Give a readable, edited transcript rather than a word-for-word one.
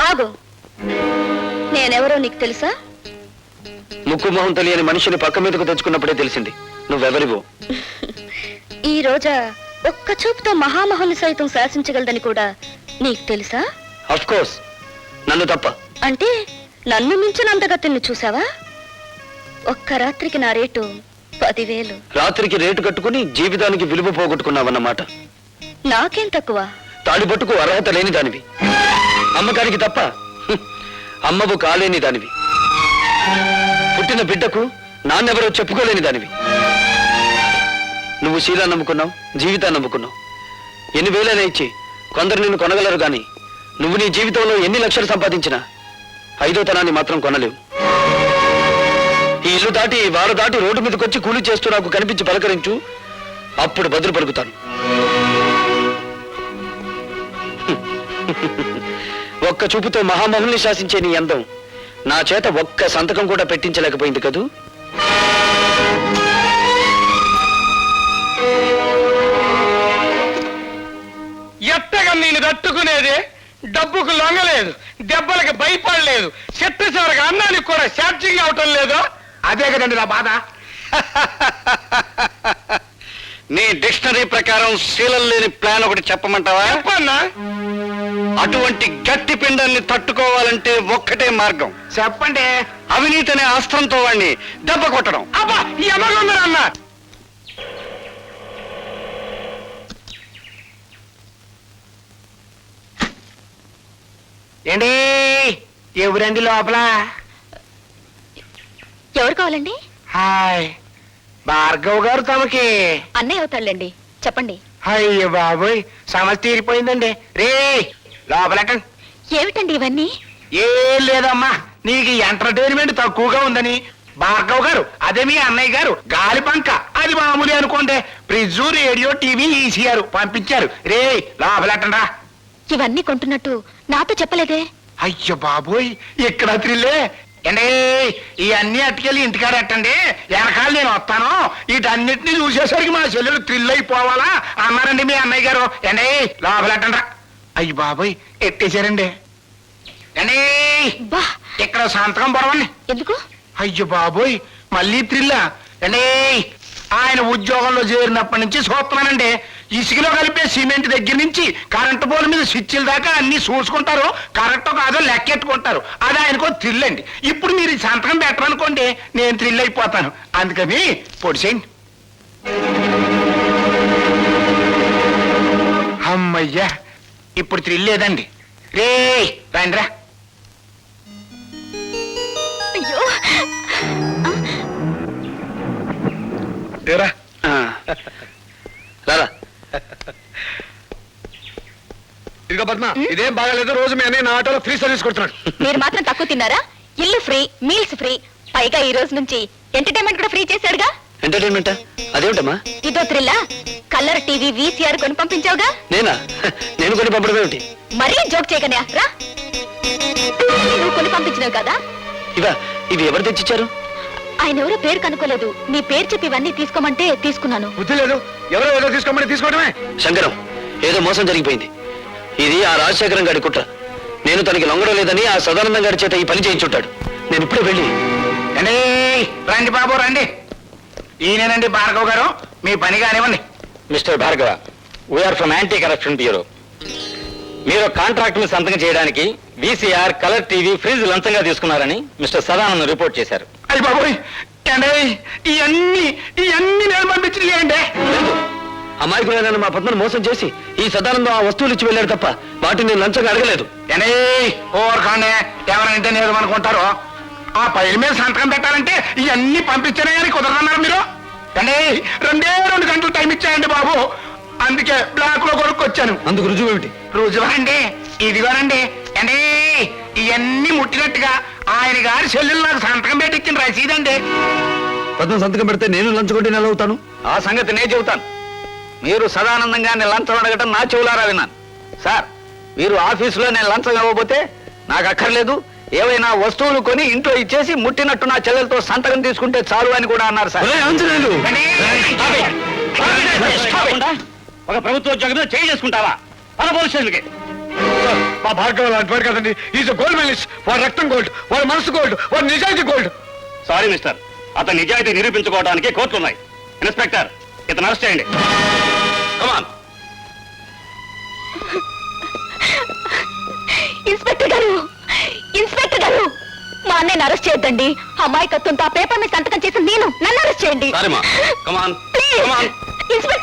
ఆగు, నేనెవరో నీకు తెలుసా? ముక్కు మొహం తెలియని మనిషిని పక్క మీదకు తెచ్చుకున్నప్పుడే తెలిసింది నువ్వెవరివో. ఈ రోజా ఒక్క చూపుతో మహామహుని సైతం శాసించగలదని కూడా నీకు తెలుసా? ఆఫ్ కోర్స్, నన్ను తప్ప. అంటే నన్ను మించిన అందగతిని చూసావా? ఒక్క రాత్రికి నా రేటు 10,000. రాత్రికి రేటు కట్టుకుని జీవితానికి విలువ పోగొట్టుకున్నావన్నమాట. నాకేం తక్కువ? తాడిపట్టుకు అర్హత లేని దానివి, అమ్మకానికి తప్ప అమ్మవు కాలేని దానివి, పుట్టిన బిడ్డకు నాన్నెవరో చెప్పుకోలేని దానివి. నువ్వు శీలాన్ని నమ్ముకున్నావు, జీవితాన్ని నమ్ముకున్నావు. ఎన్ని వేలైనా ఇచ్చి కొందరు నిన్ను కొనగలరు గాని నువ్వు నీ జీవితంలో ఎన్ని లక్షలు సంపాదించినా 5వ తనాన్ని మాత్రం కొనలేవు. ఈ ఇల్లు దాటి వారు దాటి రోడ్డు మీదకి వచ్చి కూలి చేస్తూ నాకు కనిపించి పలకరించు, అప్పుడు బదులు పలుకుతాను. ఒక్క చూపుతో మహామహుల్ని శాసించే నీ అందం నా చేత ఒక్క సంతకం కూడా పెట్టించలేకపోయింది కదూ. ఎట్టగా నేను తట్టుకునేది, డబ్బుకు లొంగలేదు, దెబ్బలకి భయపడలేదు, చెట్టు చివరికి అన్నానికి కూడా ఛార్జింగ్ అవటం లేదు. అదే కదండి నా బాధ. నీ డిక్షనరీ ప్రకారం శీలం లేని ప్లాన్ ఒకటి చెప్పమంటావా? చెప్పన్నా. అటువంటి గట్టి పిండాన్ని తట్టుకోవాలంటే ఒక్కటే మార్గం. చెప్పండి. అవినీతి అనే అస్త్రంతో వాడిని దెబ్బ కొట్టడం. అబ్బా ఎమగొందరు అన్న. ఏంటి ఎవరండి లోపల? ఎవరు కావాలండి? హాయ్, భార్గవ్ గారు తమకి. అన్నయ్య అవుతాళ్ళండి, చెప్పండి. అయ్యో బాబోయ్, సమస్య తీరిపోయిందండి. రే లోపలెట్టండి. ఏమిటండి ఇవన్నీ? ఏం లేదమ్మా, నీకు ఎంటర్టైన్మెంట్ తక్కువగా ఉందని భార్గవ్ గారు, అదే మీ అన్నయ్య గారు గాలి పంక, అది మామూలు అనుకోండి, ఫ్రిడ్జ్, రేడియో, టీవీ ఈసీఆర్ పంపించారు. రే లోపలెట్టండి. ఇవన్నీ కొంటున్నట్టు నాతో చెప్పలేదే? అయ్యో బాబోయ్, ఇక్కడ త్రిల్లే. అండి ఇవన్నీ అట్టుకెళ్ళి ఇంటికాడ ఎట్టండి, వెనకాల నేను వస్తాను. వీటన్నిటిని చూసేసరికి మా చెల్లెలు థ్రిల్ అయిపోవాలా అన్నారండి మీ అన్నయ్య గారు. అండి లోపలెట్టండి. అయ్యి బాబోయ్, ఎట్టేశారండి. అండి బా, ఇక్కడ సంతకం పొడవండి. ఎందుకు? అయ్యో బాబోయ్, మళ్ళీ థ్రిల్లా. అండి ఆయన ఉద్యోగంలో చేరినప్పటి నుంచి చూస్తున్నానండి, ఇసుకలో కలిపే సిమెంట్ దగ్గర నుంచి కరెంటు పోల్ మీద స్విచ్ల దాకా అన్ని చూసుకుంటారు, కరెక్టో కాదో లెక్కెట్టుకుంటారు. అది ఆయనకో థ్రిల్ అండి. ఇప్పుడు మీరు ఈ సంతకం పెట్టరనుకోండి, నేను థ్రిల్ అయిపోతాను. అందుకని పొడిసేయండి. అమ్మయ్యా, ఇప్పుడు థ్రిల్ లేదండి. రే రండిరా. అయ్యో, రారా. ఇదిగో పద్మ, ఇదేం బాగాలేదు. రోజు మీ అన్నయ్య నా ఆటోలో ఫ్రీ సర్వీస్ కొడుతున్నాడు. మీరు మాత్రం తక్కువ తిన్నారా? ఇల్లు ఫ్రీ, మీల్స్ ఫ్రీ, పైగా ఈ రోజు నుంచి ఎంటర్టైన్మెంట్ కూడా ఫ్రీ చేశాడుగా. ఎంటర్టైన్మెంటా? అదేమిటమ్మా? ఇదో థ్రిల్లా. కలర్ టీవీ, వీసీఆర్ కొని పంపించావుగా. నేనా? నేను కొని పంపడం ఏమిటి? మరీ జోక్ చేయకనే రా. నువ్వు కొని పంపించినావు కదా. ఇవి ఎవరు తెచ్చిచ్చారు? ఆయన ఎవరో పేరు కనుక్కోలేదు, నీ పేరు చెప్పి ఇవన్నీ తీసుకోమంటే తీసుకున్నాను. బుద్ధి లేదు, ఎవరో ఏదో తీసుకోమని తీసుకోవడమే. శంకరం, ఏదో మోసం జరిగిపోయింది. ఇది ఆ రాజశేఖరం గారి కుట్ర. నేను తనకి లొంగడం లేదని ఆ సదానందం గారి చేత ఈ పని చేయించుంటాడు. నేను ఇప్పుడే వెళ్ళి. రండి బాబు రండి. ఈయనేనండి భార్గవ్ గారు, మీ పని కానివ్వండి. Mister Bhargava, we're from anti corruption bureau. మీరు కాంట్రాక్ట్ సంతకం చేయడానికి వీసీఆర్, కలర్ టీవీ, ఫ్రిడ్జ్ లంచంగా తీసుకున్నారని మిస్టర్ సదానందం రిపోర్ట్ చేశారు. అయ్యి బాబోయ్, ఇవన్నీ నేను పంపించింది. అమాయకులైన మా పద్మను మోసం చేసి ఈ సదానందం ఆ వస్తువులు ఇచ్చి వెళ్ళాడు తప్ప వాటిని నేను లంచంగా అడగలేదు. ఓర్ఖాండే, ఎవరంటే నేను అనుకుంటారో. ఆ పైల మీద సంతకం పెట్టాలంటే ఇవన్నీ పంపించారే కానీ కుదరదన్నారు మీరు. రెండే 2 గంటలు టైం ఇచ్చాయండి బాబు, అందుకే బ్లాక్ లో కొనుక్కొచ్చాను. అందుకు రుజువు ఏమిటి? రుజువు అండి ఇదిగోనండి. ఇవన్నీ ముట్టినట్టుగా ఆయన గారి సెల్లులు నాకు సంతకం పెట్టించిన రసీదండి. పద్మ సంతకం పెడితే నేను లంచుకుంటే నెల అవుతాను. ఆ సంగతి నేను చెబుతాను. మీరు సదానందంగా నేను లంచం అడగటం నా చెవులారా విన్నాను. సార్, మీరు ఆఫీసులో నేను లంచం ఇవ్వబోతే నాకు అక్కర్లేదు, ఏవైనా వస్తువులు కొని ఇంట్లో ఇచ్చేసి ముట్టినట్టు నా చెల్లెలతో సంతకం తీసుకుంటే చాలు అని కూడా అన్నారు సార్. ఒక ప్రభుత్వ ఉద్యోగం చేయి చేసుకుంటావా? పోలీస్ స్టేషన్కి ఆ భార్గవ లాంటి వాడు కదండి. Is gold medallist. వాడు రక్తం గోల్డ్, వాడు మనసు గోల్డ్, వాడు నిజాయితీ గోల్డ్. సారీ మిస్టర్, అతని నిజాయితీ నిరూపించుకోవడానికి కోర్టులు ఉన్నాయి. ఇన్స్పెక్టర్, ఇతను అరెస్ట్ చేయండి. కమాన్. ఇన్స్పెక్టర్ గారు, ఇన్స్పెక్టర్ గారు, మా అన్నయ్యని అరెస్ట్ చేయొద్దండి. అమాయకత్వంతో ఆ పేపర్ మీద సంతకం చేసి నన్ను అరెస్ట్ చేయండి. సారీమా, కమాన్, ప్లీజ్. కమాన్. ఇన్స్పెక్టర్